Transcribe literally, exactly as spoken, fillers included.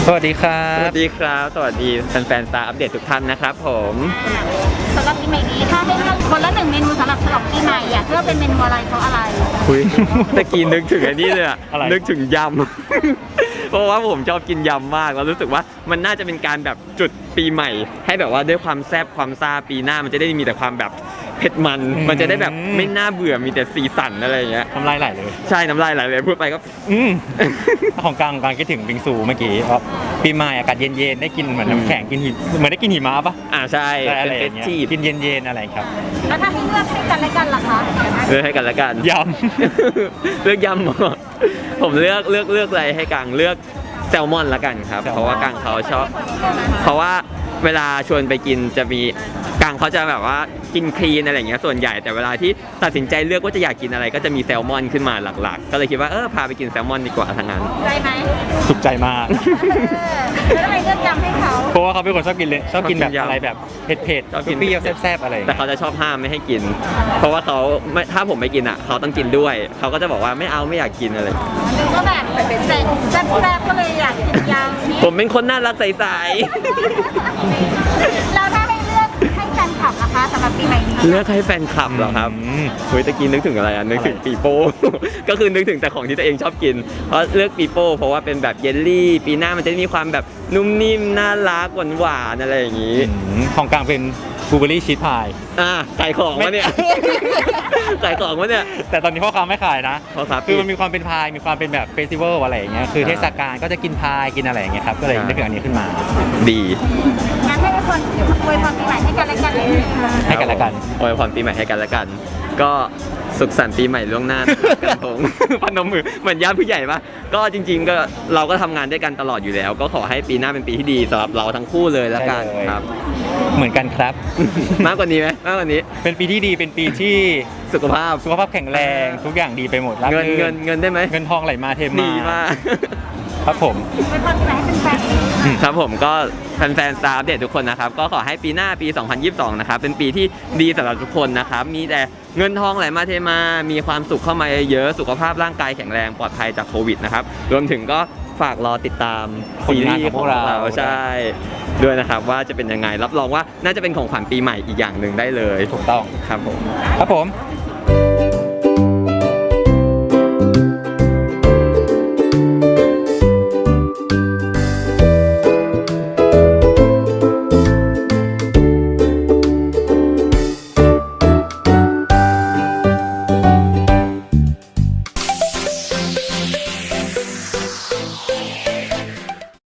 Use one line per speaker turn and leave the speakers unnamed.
สวัสดีครับ
สวัสดีครับสวัสดีแฟนๆสตาร์อัปเดตทุกท่านนะครับผม
สำหรับปีใหม่นี้ถ้าให้เลือกคนละหนึ่งเมนูสำหรับฉลองปีใหม่อยากเลือกเป็นเมนูอะไรเพราะอะไร
คุยตะกี้นึกถึงไอ้นี่เลยอะ
อะไร
นึกถึงยำ เพราะว่าผมชอบกินยำมากแล้วรู้สึกว่ามันน่าจะเป็นการแบบจุดปีใหม่ ให้แบบว่าด้วยความแซ่บความซ่าปีหน้ามันจะได้มีแต่ความแบบเผ็ดมันมันจะได้แบบไม่น่าเบื่อมีแต่สีสันอะไรอย่างเงี้ย
น้ำลายไหลเลย
ใช่น้ำลายไหลเลยพูดไปก็
อืม ของกลางการคิดถึงบิงซูเมื่อกี้เพราะปีใหม่อากาศเย็นๆได้กินเหมือนน้ำแข็งกินหิเหมือนได้กินหิมะปะ
อ่าใช่
อะ
เป็น
ไรอ
เฟส
ย่างเงี้ย
ทีฟ
กินเย็นๆอะไรครับ
แล้วถ้าให้เลือกให้กันและกันล่ะคะ
เลือกให้กันละกัน
ย
เลือกยำเหรอผมเลือกเลือกเลือกอะไรให้กังเลือกแซลมอนละกันครับเพราะว่ากังเขาชอบเพราะว่าเวลาชวนไปกินจะมีกังเขาจะแบบว่ากินคลีนอะไรอย่างเงี้ยส่วนใหญ่แต่เวลาที่ตัดสินใจเลือกว่าจะอยากกินอะไรก็จะมีแซลมอนขึ้นมาหลักๆ ก็เลยคิดว่าเออพาไปกินแซลมอนดีกว่าทั้งนั้น
ใจไหม
ำสุขใจมาก
เออแล้วทำไมเลือกยำให้เขา
เพราะว่าเขาเป็นคนชอบกินเลยชอบกินแบบ
ชอบกินยำ
อะไรแบบเผ็ด
ชอบ
ๆ
กิน
เปรี้ยวๆแซ่บๆอะไรอย่าง
แต่
เงี้ย
เขาจะชอบห้ามไม่ให้กิน เพราะว่าเขาไม่ถ้าผมไม่กินอ่ะเขาต้องกินด้วยเขาก็จะบอกว่าไม่เอาไม่อยากกินอะไร
หรือว่าแบบเป็นแซ่บแซ่บก็เลยอยากกินยำนี่
ผมเป็นคนน่ารักใส
แล้วถ้าให้เลือกให้แฟนคลับนะคะสำหรับปีใหม่นี้
ๆเลือกให้แฟนคลับเหรอครับ
อืม
เฮ้ยตะกี้นึกถึงอะไรอ่ะนึกถึงปีโป้ ก็คือนึกถึงแต่ของที่ตัวเองชอบกิน เพราะเลือกปีโป้เพราะว่าเป็นแบบเยลลี่ ปีหน้ามันจะมีความแบบนุ่มนิ่มน่ารักหวานๆอะไรอย่างนี้
อืมของกลางเป็นบลูเบอร์รี่ชีสพาย
อ่าขายของวะเนี่ย ขายของวะเนี่ย
แต่ตอนนี้พ่อค้าไม่ขายนะ
พ่อค้าปิด
คือมันมีความเป็นพายมีความเป็นแบบเฟสติวัลอะไรอย่างเงี้ยคือเทศกาลก็จะกินพายกินอะไรอย่างเงี้ยครับก็เลยนึกถึงอันนี้ขึ้นมา
ดี
งั้นให้ทุกคนอวยพรปีใหม่ให้กันและกันเลยค่ะ
ให้กันและกัน
อวยพรปีใหม่ให้กันและกัน ก็สุขสันต์ปีใหม่ล่วงหน้านะครับกันตรง พนมมือเหมือนญาติผู้ใหญ่ปะก็จริง ๆ ก็เราก็ทำงานด้วยกันตลอดอยู่แล้ว ก็ขอให้ปีหน้าเป็นปีที่ดีสำหรับเราทั้งคู่เลยละกัน
ได้เลย
ครับ
เหมือนกันครับ
มากกว่านี้ไหมมากกว่านี้
เป็นปีที่ดีเป็นปีที่
สุขภาพ
สุขภาพแข็งแรงทุกอย่างดีไปหมดราบ
เงิน
รื่
เงินเงินได้ไหม
เงินทองไหลมาเทมา
ดีมาก
ครับผม
อวยพรปีใหม่ให้เป็นแฟน
ครับผมก็แฟนๆสตาร์อัปเดตทุกคนนะครับก็ขอให้ปีหน้าปี สองพันยี่สิบสอง นะครับเป็นปีที่ดีสำหรับทุกคนนะครับมีแต่เงินทองไหลมาเทมามีความสุขเข้ามาเยอะสุขภาพร่างกายแข็งแรงปลอดภัยจากโควิดนะครับรวมถึงก็ฝากรอติดตามซีรีส์ของเราใช่ด้วยนะครับว่าจะเป็นยังไงรับรองว่าน่าจะเป็นของขวัญปีใหม่อีกอย่างหนึ่งได้เลย
ถูกต้อง
ครับผม
ครับผม